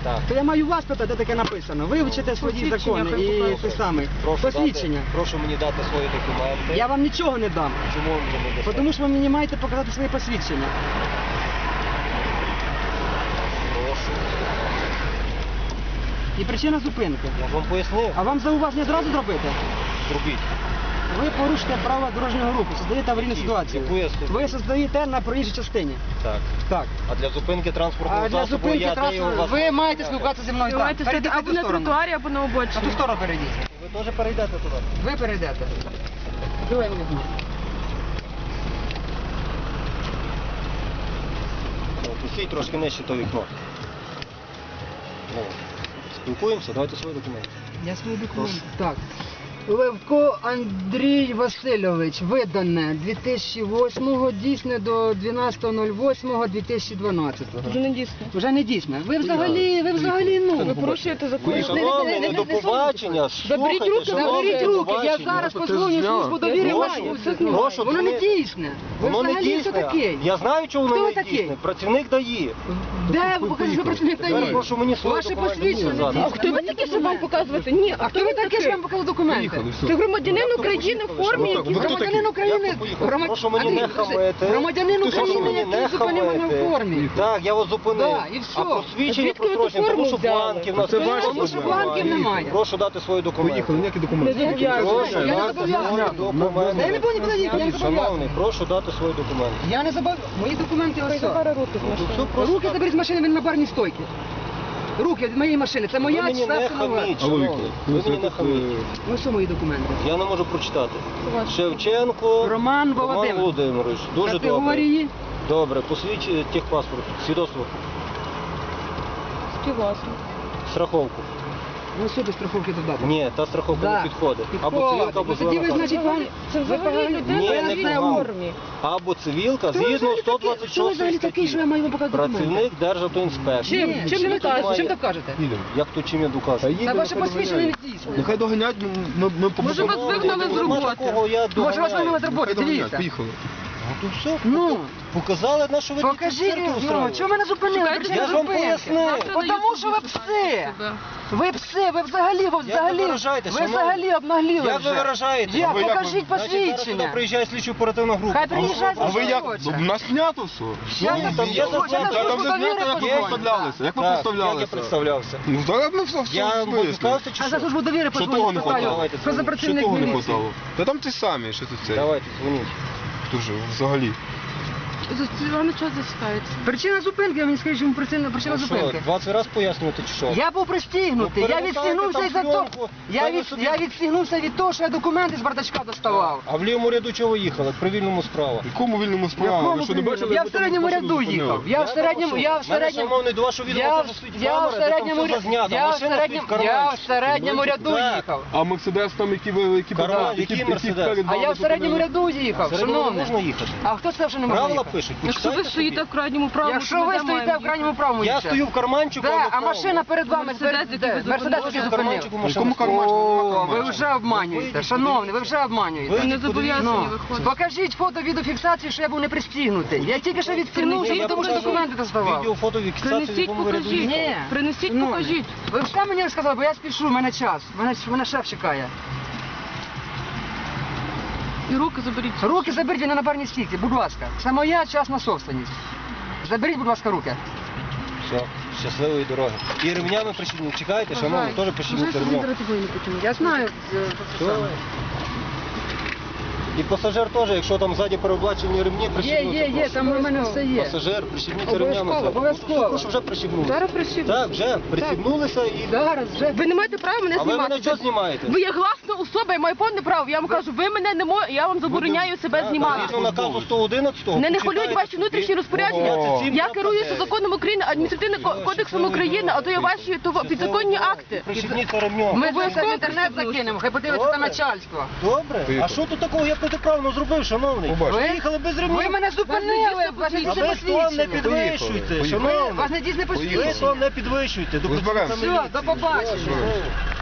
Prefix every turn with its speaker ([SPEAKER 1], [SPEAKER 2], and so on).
[SPEAKER 1] Так.
[SPEAKER 2] То я маю вас питати, де таке написано. Вивчите свої закони і те саме. Посвідчення.
[SPEAKER 1] Прошу мені дати свої документи.
[SPEAKER 2] Я вам нічого не дам.
[SPEAKER 1] Чому ви мені не дасте?
[SPEAKER 2] Тому що ви мені маєте показати своє посвідчення.
[SPEAKER 1] Прошу.
[SPEAKER 2] І причина зупинки.
[SPEAKER 1] Я ж вам пояснив.
[SPEAKER 2] А вам зауваження зразу зробити?
[SPEAKER 1] Зробіть.
[SPEAKER 2] Ви порушите правила дорожнього руху, создаєте аварійну ситуацію.
[SPEAKER 1] Яку я создаю?
[SPEAKER 2] Ви создаєте на проїжджій частині.
[SPEAKER 1] Так.
[SPEAKER 2] Так.
[SPEAKER 1] А для зупинки транспортного
[SPEAKER 2] А для
[SPEAKER 1] засобу
[SPEAKER 2] зупинки
[SPEAKER 1] я даю
[SPEAKER 2] транспорту
[SPEAKER 1] вас...
[SPEAKER 2] ви маєте спілкуватися зі мною так.
[SPEAKER 3] Давайте сидіти
[SPEAKER 2] Перейдіть
[SPEAKER 3] або
[SPEAKER 2] ту
[SPEAKER 3] на
[SPEAKER 2] сторону.
[SPEAKER 3] тротуарі, або на
[SPEAKER 2] На ту
[SPEAKER 3] обочині.
[SPEAKER 2] сторону перейдіть.
[SPEAKER 1] Ви теж перейдете туди.
[SPEAKER 2] Ви перейдете. Давай мені візьму.
[SPEAKER 1] Пустіть трошки нижче то вікно. Ну, спілкуємося, давайте свої документи.
[SPEAKER 2] Я свої документи. Так. Левко Андрій Васильович, видане 2008-го, дійсне до 12.08.2012.
[SPEAKER 3] Вже не дійсно.
[SPEAKER 2] Вже не дійсне. Ви взагалі, ну.
[SPEAKER 3] Ви порушуєте закон.
[SPEAKER 1] Шановний, до побачення.
[SPEAKER 3] Заберіть руки,
[SPEAKER 2] Заберіть руки, я зараз позвоню службу довіри вашу.
[SPEAKER 1] Прошу,
[SPEAKER 2] Воно не дійсне. Ви
[SPEAKER 1] Воно не
[SPEAKER 2] взагалі хто
[SPEAKER 1] дійсне.
[SPEAKER 2] такий?
[SPEAKER 1] Я знаю, чого
[SPEAKER 2] Хто
[SPEAKER 1] воно
[SPEAKER 2] ви
[SPEAKER 1] не
[SPEAKER 2] такий?
[SPEAKER 1] дійсне. Працівник дає.
[SPEAKER 2] Де ви покажете, що працівник
[SPEAKER 1] Тепер
[SPEAKER 2] дає?
[SPEAKER 1] прошу мені свої
[SPEAKER 2] Ваше
[SPEAKER 1] документи
[SPEAKER 2] посвідчення не
[SPEAKER 1] показати.
[SPEAKER 2] дійсне.
[SPEAKER 3] А хто ви такі, щоб вам показувати? Ні,
[SPEAKER 2] А хто ви такий, що вам показав документи?
[SPEAKER 3] Це громадянин України в формі, який
[SPEAKER 2] Громадянин України.
[SPEAKER 1] Прошу мені не хамити.
[SPEAKER 2] Громадянин
[SPEAKER 1] Прошу
[SPEAKER 2] України,
[SPEAKER 1] мені не
[SPEAKER 2] який зупинив мене в
[SPEAKER 1] хамити.
[SPEAKER 2] формі.
[SPEAKER 1] Так, я вас зупинив.
[SPEAKER 2] Да, і все.
[SPEAKER 1] А посвідчення
[SPEAKER 3] Звідки ви ту
[SPEAKER 1] просрочені, тому
[SPEAKER 3] форму
[SPEAKER 1] що
[SPEAKER 3] взяли?
[SPEAKER 1] бланків на
[SPEAKER 4] Це ваші
[SPEAKER 2] Тому що бланків немає.
[SPEAKER 1] Прошу дати свої документи.
[SPEAKER 4] Поїхали, ніякі
[SPEAKER 3] Не
[SPEAKER 4] документи.
[SPEAKER 3] зобов'язані.
[SPEAKER 1] Прошу
[SPEAKER 2] Я не
[SPEAKER 1] дати
[SPEAKER 2] зобов'язаний.
[SPEAKER 1] свої документи.
[SPEAKER 2] Я не буду нікуди їхати, я не
[SPEAKER 1] Шановний,
[SPEAKER 2] зобов'язаний.
[SPEAKER 1] прошу дати свої документи.
[SPEAKER 2] Я не забав. Мої документи ось.
[SPEAKER 3] Забери руки з
[SPEAKER 1] Ну,
[SPEAKER 3] машини.
[SPEAKER 1] все просто
[SPEAKER 2] Руки
[SPEAKER 1] так.
[SPEAKER 2] заберіть з машини, він на барній стойці. Руки від моєї машини. Це
[SPEAKER 1] Ви
[SPEAKER 2] моя
[SPEAKER 1] мені не
[SPEAKER 2] частина.
[SPEAKER 1] хаміть,
[SPEAKER 4] Алло,
[SPEAKER 1] шановний.
[SPEAKER 4] Віктор,
[SPEAKER 1] Ви мені не хаміть.
[SPEAKER 2] Ну що мої документи?
[SPEAKER 1] Я не можу прочитати.
[SPEAKER 3] Ваш.
[SPEAKER 1] Шевченко
[SPEAKER 2] Роман Володимирович.
[SPEAKER 1] Володимирович. Дуже добре.
[SPEAKER 2] Категорії.
[SPEAKER 1] Добре, посвідчення техпаспорт, свідоцтво,
[SPEAKER 3] Співвласник.
[SPEAKER 1] страховку.
[SPEAKER 2] Ну сюди страховки додати.
[SPEAKER 1] Ні, та страховка не підходить. Або цивілка, або
[SPEAKER 2] Тоді ви,
[SPEAKER 1] зелена
[SPEAKER 2] значить,
[SPEAKER 1] карта.
[SPEAKER 2] вам...
[SPEAKER 3] Це взагалі
[SPEAKER 1] Ні,
[SPEAKER 3] людина
[SPEAKER 1] не
[SPEAKER 3] в
[SPEAKER 1] погано.
[SPEAKER 3] формі.
[SPEAKER 1] Або цивілка,
[SPEAKER 2] Хто ви
[SPEAKER 1] згідно
[SPEAKER 2] взагалі такий? Хто ви
[SPEAKER 1] 126
[SPEAKER 2] взагалі такий, що я
[SPEAKER 1] статті.
[SPEAKER 2] маю вам показати документи?
[SPEAKER 1] Працівник Державтоінспекції.
[SPEAKER 3] Чим?
[SPEAKER 2] Ні,
[SPEAKER 3] Чим ви кажете?
[SPEAKER 2] Чим так кажете?
[SPEAKER 1] Як то чим я докажу?
[SPEAKER 2] Та ваше посвідчення не дійсне.
[SPEAKER 4] Нехай доганять, ми
[SPEAKER 3] Може, вас вигнали з
[SPEAKER 1] Нема
[SPEAKER 3] роботи?
[SPEAKER 1] такого, я
[SPEAKER 2] Може вас вигнали з
[SPEAKER 1] доганяю.
[SPEAKER 2] роботи, дивіться.
[SPEAKER 4] Поїхали.
[SPEAKER 1] Ну то все,
[SPEAKER 2] Ну,
[SPEAKER 1] показали, на що ви такі
[SPEAKER 2] покажіть,
[SPEAKER 1] цирки
[SPEAKER 2] ну,
[SPEAKER 1] устроюєте.
[SPEAKER 2] чого мене зупинили?
[SPEAKER 3] Чекайте,
[SPEAKER 2] Причина
[SPEAKER 1] я ж вам
[SPEAKER 2] зупинки.
[SPEAKER 1] пояснив.
[SPEAKER 2] Тому що ви пси. Ви пси, ви взагалі,
[SPEAKER 1] виражаєтесь,
[SPEAKER 2] ви
[SPEAKER 1] шановний?
[SPEAKER 2] взагалі обнагліли
[SPEAKER 1] Як ви
[SPEAKER 2] вже.
[SPEAKER 1] виражаєтесь?
[SPEAKER 2] Як?
[SPEAKER 4] А ви як
[SPEAKER 2] Покажіть
[SPEAKER 1] Значить, зараз сюди
[SPEAKER 2] посвідчення.
[SPEAKER 1] приїжджає слідчо-оперативна група.
[SPEAKER 2] Хай приїжджає
[SPEAKER 4] А ви як?
[SPEAKER 2] слідчо.
[SPEAKER 4] У нас знято все.
[SPEAKER 2] Я
[SPEAKER 1] там є закон.
[SPEAKER 4] Та там
[SPEAKER 2] службу
[SPEAKER 4] не
[SPEAKER 2] довіри
[SPEAKER 4] знято, як ви
[SPEAKER 2] подзвоню.
[SPEAKER 4] представлялися. Як ви
[SPEAKER 1] Так, як я
[SPEAKER 4] представлялися?
[SPEAKER 1] представлявся?
[SPEAKER 4] Ну зараз ми все
[SPEAKER 1] Я
[SPEAKER 4] в
[SPEAKER 1] можу
[SPEAKER 4] смислі.
[SPEAKER 1] сказати чи
[SPEAKER 2] А за
[SPEAKER 1] що?
[SPEAKER 2] службу довіри
[SPEAKER 4] Що того
[SPEAKER 2] подзвоню,
[SPEAKER 4] не
[SPEAKER 2] спитаю,
[SPEAKER 4] хватало?
[SPEAKER 1] Давайте
[SPEAKER 2] що за
[SPEAKER 1] дзвоніть.
[SPEAKER 4] Що
[SPEAKER 2] працівник
[SPEAKER 4] того не
[SPEAKER 2] міліції.
[SPEAKER 4] хватало? Та там ті самі, що тут це.
[SPEAKER 1] Давайте, дзвоніть.
[SPEAKER 4] Хто ж взагалі?
[SPEAKER 3] Вам час зачитається.
[SPEAKER 2] Причина зупинки, ви мені скажіть, чому причина
[SPEAKER 1] Ну що,
[SPEAKER 2] зупинки?
[SPEAKER 1] 20 разів пояснювати чи що?
[SPEAKER 2] Я був пристігнутий,
[SPEAKER 1] Ну,
[SPEAKER 2] я
[SPEAKER 1] перемотайте
[SPEAKER 2] відстігнувся
[SPEAKER 1] там
[SPEAKER 2] із-за того.
[SPEAKER 1] пленку,
[SPEAKER 2] Я відстігнувся від того, що я документи з бардачка доставав.
[SPEAKER 1] А в лівому ряду чого ви їхали? При вільному справа.
[SPEAKER 4] В якому вільному справі?
[SPEAKER 2] Якому
[SPEAKER 4] Ви що не
[SPEAKER 2] вільному?
[SPEAKER 4] бачили?
[SPEAKER 2] Я
[SPEAKER 4] як
[SPEAKER 2] в
[SPEAKER 4] ви там
[SPEAKER 2] середньому
[SPEAKER 4] машину
[SPEAKER 2] ряду
[SPEAKER 4] зупинили?
[SPEAKER 2] їхав. Я в середньому,
[SPEAKER 1] Шановний, до вашого відео теж стоїть камера, де там все зазнято. Машина стоїть в карманчику.
[SPEAKER 2] я в середньому ряду
[SPEAKER 1] Так.
[SPEAKER 2] їхав.
[SPEAKER 4] А Мерседес там, які
[SPEAKER 1] Карман, який Мерседес?
[SPEAKER 4] перед
[SPEAKER 2] А
[SPEAKER 4] вами
[SPEAKER 2] я в середньому
[SPEAKER 4] зупинили?
[SPEAKER 2] ряду їхав,
[SPEAKER 1] Середньо не
[SPEAKER 2] шановний.
[SPEAKER 1] можна їхати.
[SPEAKER 2] А хто сказав, що не можна
[SPEAKER 1] Правила
[SPEAKER 2] їхати?
[SPEAKER 1] пишуть,
[SPEAKER 3] Якщо ви
[SPEAKER 1] почитайте
[SPEAKER 3] стоїте
[SPEAKER 1] собі.
[SPEAKER 3] в крайньому правому,
[SPEAKER 2] Якщо
[SPEAKER 3] то
[SPEAKER 2] ви
[SPEAKER 3] де
[SPEAKER 2] стоїте
[SPEAKER 3] маємо
[SPEAKER 2] в крайньому правому,
[SPEAKER 1] Я
[SPEAKER 2] їдьте.
[SPEAKER 1] стою в карманчику,
[SPEAKER 2] Да, а
[SPEAKER 1] в
[SPEAKER 2] машина перед вами,
[SPEAKER 3] Мерседес, який ви
[SPEAKER 2] Мерседес,
[SPEAKER 3] зупинили.
[SPEAKER 2] який
[SPEAKER 1] в
[SPEAKER 2] зупинив.
[SPEAKER 1] карманчику
[SPEAKER 4] В
[SPEAKER 1] машина.
[SPEAKER 4] якому карманчику?
[SPEAKER 2] О,
[SPEAKER 4] Нема
[SPEAKER 2] ви вже обманюєте,
[SPEAKER 1] Вийдіть,
[SPEAKER 2] шановний, ви вже обманюєте.
[SPEAKER 3] Ви не зобов'язані
[SPEAKER 2] Ну,
[SPEAKER 3] виходити.
[SPEAKER 2] покажіть фото відеофіксації, що я був не пристігнутий. Я тільки що відстігнувся,
[SPEAKER 1] Я
[SPEAKER 2] тому що
[SPEAKER 1] покажу
[SPEAKER 2] документи доставав.
[SPEAKER 1] Відео, фото, фіксацію, в
[SPEAKER 3] Принесіть,
[SPEAKER 1] якому ви ряду
[SPEAKER 3] покажіть.
[SPEAKER 1] їхали.
[SPEAKER 2] Ні.
[SPEAKER 3] Принесіть,
[SPEAKER 2] Ну,
[SPEAKER 3] покажіть.
[SPEAKER 2] Ви все мені розказали, бо я спішу, в мене час. Мене шеф чекає.
[SPEAKER 3] І руки заберіть.
[SPEAKER 2] Руки заберіть, він на барній стійці, будь ласка. Це моя частна собственність. Заберіть, будь ласка, руки.
[SPEAKER 1] Все, щасливої дороги. І ремнями прищепніть. Чекайте, шановні, теж прищепніть ремнем.
[SPEAKER 2] Я знаю.
[SPEAKER 1] Все. І пасажир теж, якщо там ззаді переоблачені ремні, прищепнути.
[SPEAKER 2] Є, там у мене все є.
[SPEAKER 1] Пасажир, прищепніться
[SPEAKER 2] Обов'язково,
[SPEAKER 1] ремнями.
[SPEAKER 2] обов'язково.
[SPEAKER 1] Прошу, вже прищепнулися.
[SPEAKER 3] Зараз прищепніть.
[SPEAKER 1] Так, вже прищепнулися і...
[SPEAKER 2] Зараз вже.
[SPEAKER 3] Ви не маєте права мене
[SPEAKER 1] А ви
[SPEAKER 3] знімати.
[SPEAKER 1] мене чого знімаєте?
[SPEAKER 3] Ви є гласна особа, я маю повне право. Я вам кажу, ви мене не можете, я вам забороняю себе знімати.
[SPEAKER 1] Згідно наказу 111.
[SPEAKER 3] Мене не хвилюють ваші внутрішні розпорядження. Я керуюся законом України, адміністративним кодексом України, а то є ваші підзаконні акти.
[SPEAKER 1] Прищепніться ремнем.
[SPEAKER 2] Ми це все в інтернет закинемо, хай подивиться
[SPEAKER 1] Добре.
[SPEAKER 2] на начальство.
[SPEAKER 1] Добре. А
[SPEAKER 4] Поїхали.
[SPEAKER 1] що тут такого я протиправно зробив, шановний?
[SPEAKER 4] Побачимо.
[SPEAKER 1] Ви їхали без ремнів.
[SPEAKER 2] Ви мене зупинили, вас не
[SPEAKER 1] А
[SPEAKER 2] дійсне
[SPEAKER 1] ви тон не
[SPEAKER 2] посвідчення.
[SPEAKER 1] підвищуйте,
[SPEAKER 4] Поїхали.
[SPEAKER 1] шановний.
[SPEAKER 2] Вас не дійсне
[SPEAKER 1] Ви
[SPEAKER 2] посвідчення.
[SPEAKER 1] тон не підвищуйте. До
[SPEAKER 4] Розберемося.
[SPEAKER 1] працівника
[SPEAKER 2] Все, до
[SPEAKER 1] міліції.
[SPEAKER 2] побачення.